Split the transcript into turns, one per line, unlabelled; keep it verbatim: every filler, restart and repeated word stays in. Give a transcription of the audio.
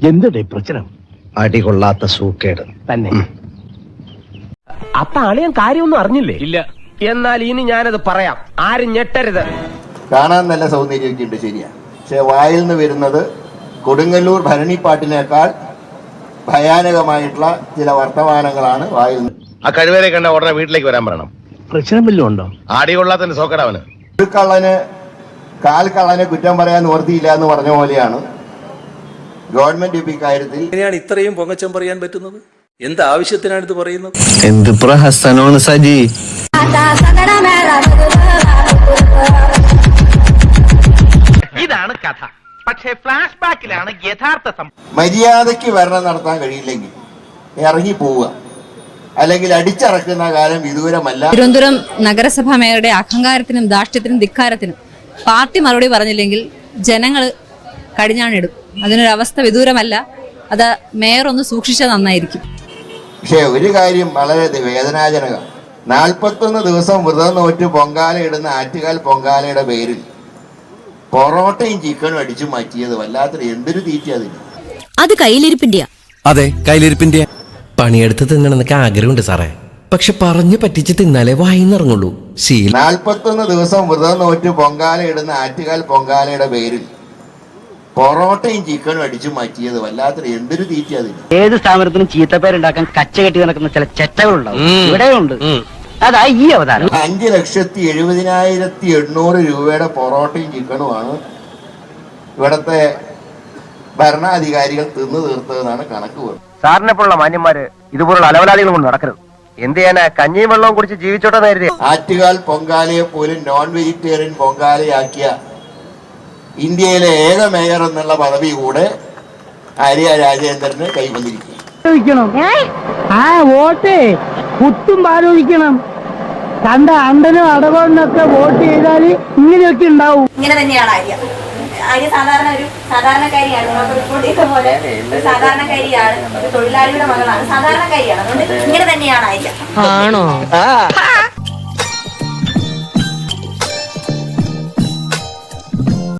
എന്തുടേ പ്രശ്നം?
അടികൊള്ളാത്ത സൂക്കേട്
തന്നെ. അപ്പൊ അളിയൻ കാര്യമൊന്നും അറിഞ്ഞില്ലേ? ഇല്ല. എന്നാൽ ഇനി ഞാനത് പറയാം, ആരും ഞെട്ടരുത്.
കാണാൻ നല്ല സൗന്ദര്യമൊക്കെ ഉണ്ട്, ശരിയാണ്. പക്ഷെ വായിൽ നിന്ന് വരുന്നത് കൊടുങ്ങല്ലൂർ ഭരണിപ്പാട്ടിനേക്കാൾ ഭയാനകമായിട്ടുള്ള ചില വർത്തമാനങ്ങളാണ് വായിൽ നിന്ന്.
ആ കഴിവേരെ കണ്ട ഉടനെ വീട്ടിലേക്ക് വരാൻ പറയണം.
പ്രശ്നം വല്ലതും ഉണ്ടോ?
ആടികൊള്ളാത്തതിന്റെ സോക്കടവന്.
ഒരു കള്ളന് കാൽ കള്ളനെ കുറ്റം പറയാൻ നിവർത്തിയില്ല എന്ന് പറഞ്ഞ പോലെയാണ് ഗവൺമെന്റ് ഇപ്പൊ ഇക്കാര്യത്തിൽ.
എങ്ങനെയാണ് ഇത്രയും പൊങ്ങച്ചം പറയാൻ പറ്റുന്നത്? എന്ത് ആവശ്യത്തിനാണ് ഇത് പറയുന്നത്?
എന്ത് പ്രഹസനമാണ് സജി.
ഇതാണ് കഥ. പക്ഷേ ഫ്ലാഷ് ബാക്കിലാണ് യഥാർത്ഥ സംഭവം.
മര്യാദയ്ക്ക് ഭരണം നടത്താൻ കഴിയില്ലെങ്കിൽ ഇറങ്ങി പോവുക, അല്ലെങ്കിൽ അടിച്ചറക്കുന്ന കാലം വിദൂരമല്ല.
തിരുവനന്തപുരം നഗരസഭാ മേയറുടെ അഹങ്കാരത്തിനും ധാർഷ്ട്യത്തിനും ധിക്കാരത്തിനും പാർട്ടി മറുപടി പറഞ്ഞില്ലെങ്കിൽ ജനങ്ങൾ കടിഞ്ഞാണിടും. അതിനൊരവസ്ഥ വിദൂരമല്ല. അത് മേയർ ഒന്ന് സൂക്ഷിച്ചാൽ നന്നായിരിക്കും.
പക്ഷെ ഒരു കാര്യം വളരെ വേദനാജനകം. നാൽപ്പത്തൊന്ന് ദിവസം വ്രതം നോറ്റ് പൊങ്കാല ഇടുന്ന ആറ്റുകാൽ പൊങ്കാലയുടെ പേരിൽ പൊറോട്ടയും ചിക്കനും അടിച്ചു മാറ്റിയത് വല്ലാത്തൊരു എന്തൊരു തീറ്റ അതിന്.
അത് കയ്യിലിരിപ്പിന്റെയാ.
അതെ, കയ്യിലിരിപ്പിന്റെ. പണിയെടുത്ത് തിന്നണമെന്നൊക്കെ ആഗ്രഹമുണ്ട് സാറേ, പക്ഷെ പറഞ്ഞു പറ്റിച്ച് തിന്നാലേ വായിന്നിറങ്ങുള്ളൂ. ശീലം.
നാൽപ്പത്തൊന്ന് ദിവസം വ്രതം നോറ്റ് പൊങ്കാല ഇടുന്ന ആറ്റുകാൽ പൊങ്കാലയുടെ പേരിൽ പൊറോട്ടയും ചിക്കനും അടിച്ചു മാറ്റിയത് വല്ലാത്തൊരു എന്തൊരു തീറ്റ അതിന്.
ഏത് സ്ഥാപനത്തിനും ചീത്തപ്പേരുണ്ടാക്കാൻ കച്ച കെട്ടി നടക്കുന്ന ചില ചെറ്റകളുണ്ടാവും. ഇവിടെയുണ്ട്. അതാ ഈ അവതാരം.
അഞ്ച് ലക്ഷത്തി എഴുപതിനായിരത്തി എണ്ണൂറ് രൂപയുടെ പൊറോട്ടയും ചിക്കനുമാണ് ഇവിടത്തെ ഭരണാധികാരികൾ തിന്നു തീർത്തതെന്നാണ് കണക്ക് വരുന്നത്.
സാറിനെ പോലുള്ള മാന്യന്മാര് ഇതുപോലുള്ള അലവലാദികൾ കൊണ്ട് നടക്കരുത്. എന്ത് ചെയ്യാനാ? കഞ്ഞിയും വെള്ളവും കുടിച്ച് ജീവിച്ചോട്ടെ നേരിടെ.
ആറ്റുകാൽ പൊങ്കാലയെ പോലും നോൺ വെജിറ്റേറിയൻ പൊങ്കാലയാക്കിയ ഇന്ത്യയിലെ ഏക മേയർ എന്നുള്ള പദവി കൂടെ ആര്യ രാജേന്ദ്രന് കൈവന്നിരിക്കുന്നു.
ആ വോട്ട് കുത്തും പാലോചിക്കണം. കണ്ട അണ്ടനും അടവണ്ണൊക്കെ വോട്ട് ചെയ്താൽ ഇങ്ങനെയൊക്കെ ഉണ്ടാവും.
ഇങ്ങനെ തന്നെയാണ് ആര്യ. ആര്യ സാധാരണ ഒരു സാധാരണക്കാരിയാണ്. നമുക്ക് റിപ്പോർട്ട് ചെയ്ത പോലെ ഒരു സാധാരണക്കാരിയാണ്, ഒരു തൊഴിലാളിയുടെ മകളാണ്, സാധാരണക്കാരിയാണ്. അതുകൊണ്ട് ഇങ്ങനെ തന്നെയാണ് ആര്യ.
ആണോ?